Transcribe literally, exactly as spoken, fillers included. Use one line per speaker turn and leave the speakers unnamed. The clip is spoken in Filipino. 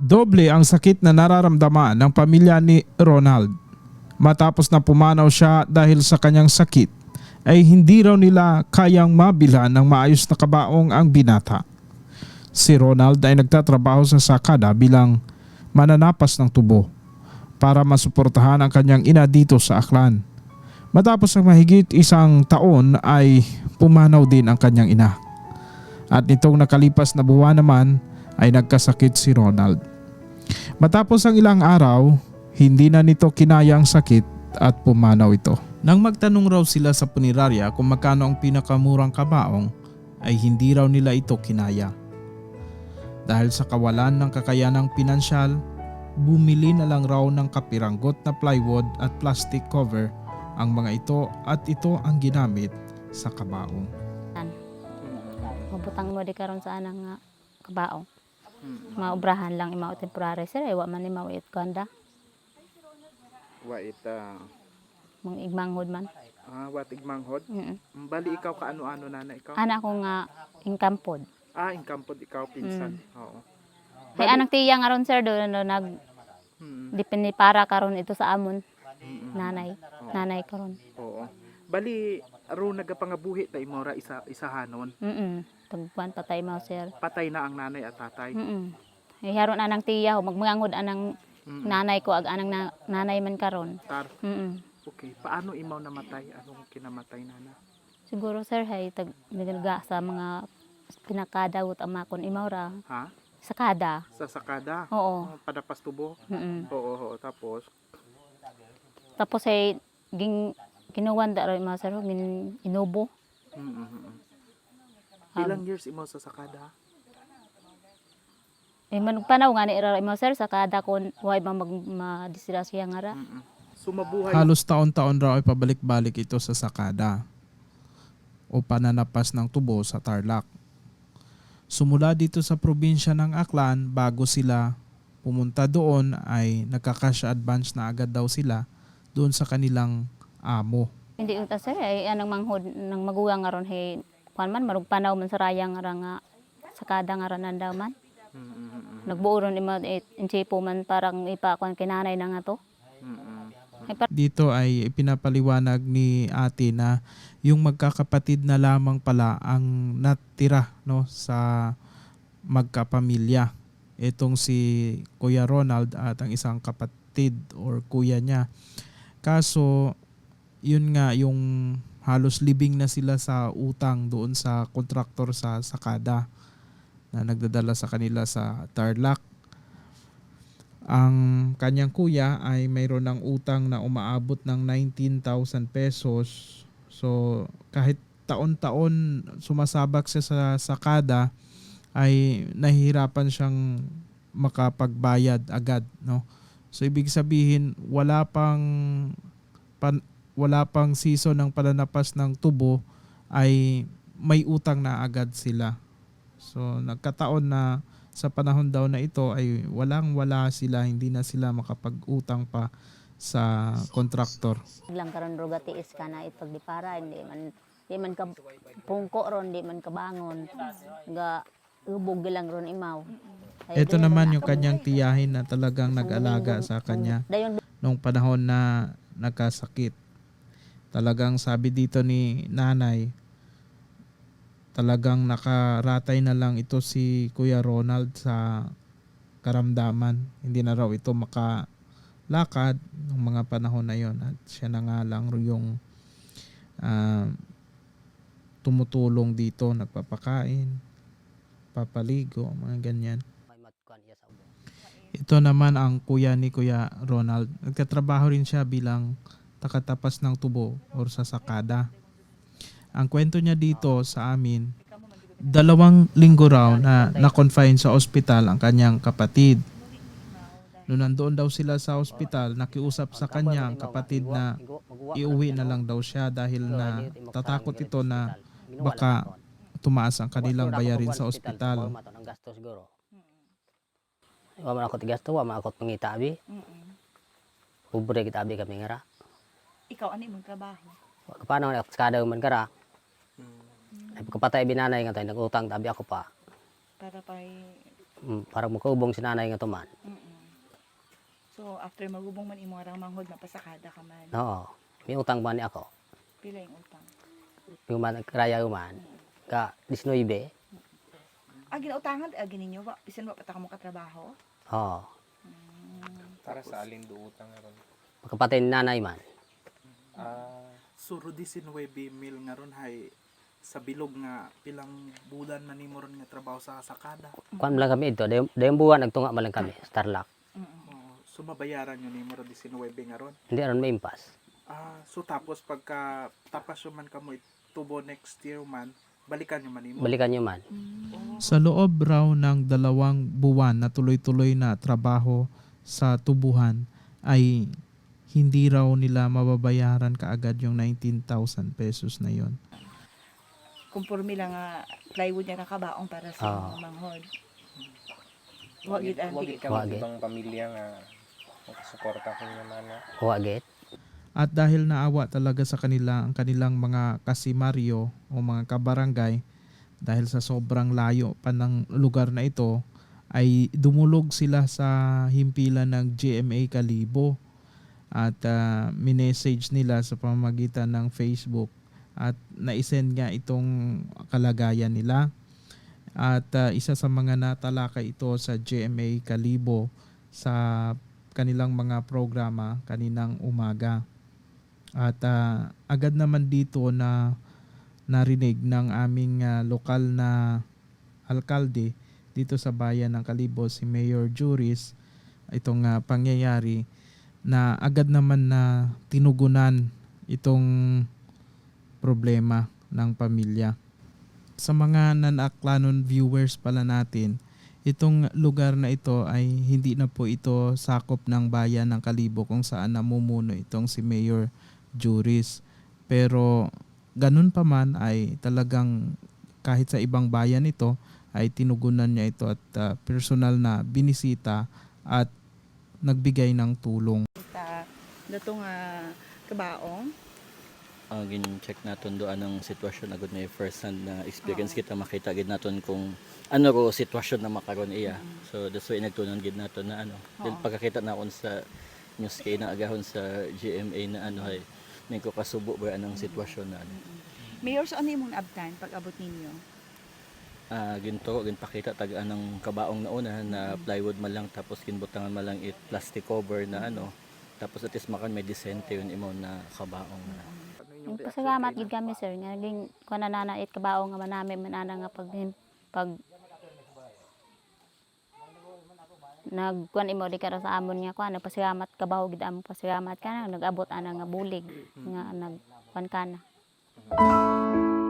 Doble ang sakit na nararamdaman ng pamilya ni Ronald. Matapos na pumanaw siya dahil sa kanyang sakit, ay hindi raw nila kayang mabilhan ng maayos na kabaong ang binata. Si Ronald ay nagtatrabaho sa sakada bilang mananapas ng tubo para masuportahan ang kanyang ina dito sa Aklan. Matapos ang mahigit isang taon ay pumanaw din ang kanyang ina. At nitong nakalipas na buwan naman ay nagkasakit si Ronald. Matapos ang ilang araw, hindi na nito kinaya ang sakit at pumanaw ito. Nang magtanong raw sila sa punerarya kung magkano ang pinakamurang kabaong, ay hindi raw nila ito kinaya. Dahil sa kawalan ng kakayanang pinansyal, bumili na lang raw ng kapiranggot na plywood at plastic cover ang mga ito at ito ang ginamit sa kabaong.
Mabutang mo di karon sa anang nga kabaong. Maubrahan lang imaw temporary sir ay wa man imaw it ganda.
Wa ita
Mong igmanghod man.
ah wat igmanghod.
Mm.
Bali ikaw kaano-ano nana ikaw?
Anak ko nga ingkampod.
Ah, ingkampod ikaw pinsan. Oo.
Hay anang tiya nga ron sir do no, nag
Hmm.
dipindi para karon ito sa amon.
Mm-mm.
Nanay. Nanay karon.
Oo. Bali aro nagapangabuhi ta imo ra isa isahanon.
Mm. Tagpuan patay mo sir.
Patay na ang nanay at tatay.
Mm. Hay haron anang tiya ho magmangod anang
Mm.
nanay ko ag anang na, nanay man karon.
Tar.
Mm.
Okay. Paano imaw namatay? Anong kinamatay nana?
Siguro sir hay tag nilga sa mga pinakadawot ang makon imaw ra
Ha?
sa kada.
Sa sakada?
Oo.
Oh, padapas tubo?
Mm.
Oo, oo. Tapos?
Tapos ay ging kinuwan da rin mga sir gin inubo.
Mm-mm.
Um,
Ilang years imo sa sakada?
Eh man panaw nga ni ra mga sir sa kada kon way ba mag madisirasya nga ra.
Mm-mm. Sumabuhay.
Halos taon-taon raw ay pabalik-balik ito sa sakada o pananapas ng tubo sa Tarlac. Sumula dito sa probinsya ng Aklan bago sila pumunta doon ay nagka-cash advance na agad daw sila doon sa kanilang amo.
Hindi uta sir ay anang manghod nang magugang nga ron hey kuan man marug panaw man sa rayang nga ra nga sa kada nga ra nandaw man.
Mm-mm.
Nagbuo ron ima eh, insipo man parang ipa kuan kinanay na nga to.
Mm-mm.
Dito ay ipinapaliwanag ni ate na yung magkakapatid na lamang pala ang natira no sa magkapamilya. Itong si Kuya Ronald at ang isang kapatid or kuya niya. Kaso yun nga yung halos libing na sila sa utang doon sa kontraktor sa sakada na nagdadala sa kanila sa Tarlac. Ang kanyang kuya ay mayroon ng utang na umaabot ng nineteen thousand pesos. So kahit taon-taon sumasabak siya sa sakada ay nahihirapan siyang makapagbayad agad, no? So ibig sabihin wala pang pan, wala pang season ng pananapas ng tubo ay may utang na agad sila. So nagkataon na sa panahon daw na ito ay walang wala sila, hindi na sila makapag-utang pa sa kontraktor.
Lang karon ruga tiis ka na ipagdipara hindi man di man ka pungko ron di man ka bangon. Ga ubog lang ron imaw. Ay,
Ito
di
naman
man
yung
ako.
kanyang tiyahin na talagang nag-alaga sa kanya
Dayon
nung panahon na nagkasakit. Talagang sabi dito ni nanay, talagang nakaratay na lang ito si Kuya Ronald sa karamdaman. Hindi na raw ito makalakad ng mga panahon na yon at siya na nga lang yung uh, tumutulong dito, nagpapakain, papaligo, mga ganyan. Ito naman ang kuya ni Kuya Ronald. Nagtatrabaho rin siya bilang takatapas ng tubo or sa sakada. Ang kwento niya dito sa amin, dalawang linggo raw na na-confine sa ospital ang kanyang kapatid. Noong nandoon daw sila sa ospital, nakiusap sa kanya ang kapatid na iuwi na lang daw siya dahil na tatakot ito na baka tumaas ang kanilang bayarin sa ospital.
Wa man ako tigasto, wa man ako pangita abi. Pobre kita abi kami ngara.
Ikaw ani mong trabaho?
Paano ako kada man kara? Ay pagkapatay binanay nga tay nagutang tabi ako pa.
Para pay
mm, parang makaubong si nanay nga tuman.
Mm-mm. So after magubong man imo arang manghod mapasakada ka man.
Oo. May utang ba ni ako?
Pila yung utang?
Yung man kraya man ka nineteen.
Ah, ginautangan ah, gininyo ba? Bisan ba pata ka mo katrabaho?
Oo.
Para sa alin do utang nga ron.
Makapatay ni nanay man.
Ah,
Suro nineteen mil nga ron hay sa bilog nga pilang bulan na nimo ron nga trabaho sa sakada.
Kuan lang kami ito. Dayong buwan nagtunga man lang kami. Starlock.
Mm-mm.
Oh, so mabayaran nyo nimo ron nineteen nga ron.
Hindi aron maimpas.
Ah, so tapos pagka tapas man kamo tubo next year man, balikan nyo man nimo.
Balikan nyo man.
Sa loob raw ng dalawang buwan na tuloy-tuloy na trabaho sa tubuhan ay hindi raw nila mababayaran kaagad yung nineteen thousand pesos na yon.
Kumpurmi lang nga plywood niya kakabaong para sa
Ah.
mga manghod. Wa gid ang
wagit ka
Wagit.
ibang pamilya nga makasuporta ko naman na.
Huwagit.
At dahil naawa talaga sa kanila ang kanilang mga kasimaryo o mga kabarangay dahil sa sobrang layo pa ng lugar na ito ay dumulog sila sa himpilan ng G M A Kalibo at uh, minessage nila sa pamamagitan ng Facebook at naisend nga itong kalagayan nila at uh, isa sa mga natalakay ito sa G M A Kalibo sa kanilang mga programa kaninang umaga. At uh, agad naman dito na narinig ng aming uh, lokal na alkalde dito sa bayan ng Kalibo, si Mayor Juris, itong uh, pangyayari na agad naman na tinugunan itong problema ng pamilya. Sa mga non-Aklanon viewers pala natin, itong lugar na ito ay hindi na po ito sakop ng bayan ng Kalibo kung saan namumuno itong si Mayor Juris. Pero ganun pa man ay talagang kahit sa ibang bayan ito ay tinugunan niya ito at uh, personal na binisita at nagbigay ng tulong.
ta dato nga kabaong.
uh, gin-check naton doon ang sitwasyon agad may first hand na experience kita makita gid naton kung ano ro sitwasyon na makaron iya. So that's why nagtunan gid naton na ano. Then pagkakita na kon sa news kay na agahon sa G M A na ano ay may ko kasubo ba anang sitwasyon na ano.
Mayor, so ano imong abtan pag abot ninyo?
Ah ginto ginpakita tag anang kabaong na una na plywood man lang tapos ginbutangan man lang it plastic cover na ano. Tapos at least makan may disente yun imo na kabaong na.
Yung pasalamat gid kami sir nga naging kuan na na it kabao nga manami manana nga pag pag nagkuan imo di kara sa amon nga kuan nagpasalamat kabaho gid amo pasalamat kana nag-abot ana nga bulig nga nagkuan kana.